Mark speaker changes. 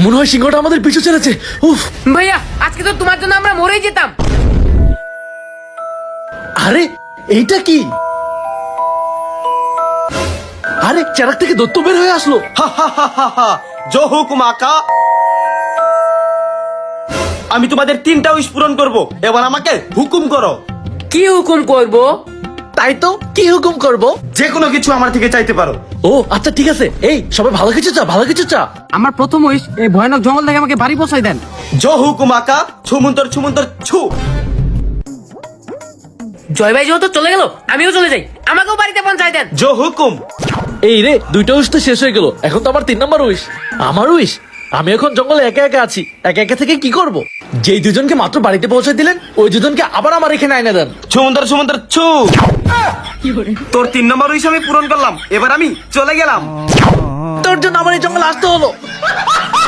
Speaker 1: মনে হয় সিংহটা আমাদের পিছু চলেছে। উফ,
Speaker 2: ভাইয়া আজকে তো তোমার জন্য আমরা মরেই যেতাম।
Speaker 1: আরে এইটা কি? আরে চারাক থেকে দত্ত বের হয়ে আসলো।
Speaker 3: হা হা হা হা হা। জো হুকুম আকা। আমি তোমাদের 3টা উইশ পূরণ করব, এবার আমাকে হুকুম করো।
Speaker 2: কি হুকুম করব?
Speaker 1: তাই তো, কি হুকুম করব?
Speaker 3: যে কোনো কিছু আমার থেকে চাইতে পারো।
Speaker 1: ও আচ্ছা ঠিক আছে, এই সবাই ভালো কিছু চা, ভালো কিছু চা।
Speaker 4: আমার প্রথম উইশ এই ভয়ানক জঙ্গল থেকে আমাকে বাড়ি পৌঁছাই দেন।
Speaker 3: জো হুকুম আকা। ছুমন্তর ছুমন্তর ছু।
Speaker 2: জয় ভাই যেহেতু চলে গেল, আমিও চলে যাই, আমাকেও বাড়িতে পৌঁছাই দেন।
Speaker 3: জো হুকুম।
Speaker 1: এই রে, 2টা উইশ তো শেষ হয়ে গেল, এখন তো আমার 3 নম্বর উইশ। আমার উইশ, আমি এখন জঙ্গলে একা একা আছি, একা একা থেকে কি করব? যেই দুজনকে মাত্র বাড়িতে পৌঁছে দিলেন, ওই দুজনকে আবার আমার এখানে আইনা দেন।
Speaker 3: ছুমন্তর ছুমন্তর ছু। তোর 3 নম্বর উইশ আমি পূরণ করলাম, এবার আমি চলে গেলাম।
Speaker 1: তোর জন্য আমার এই জঙ্গলে আসতে হলো।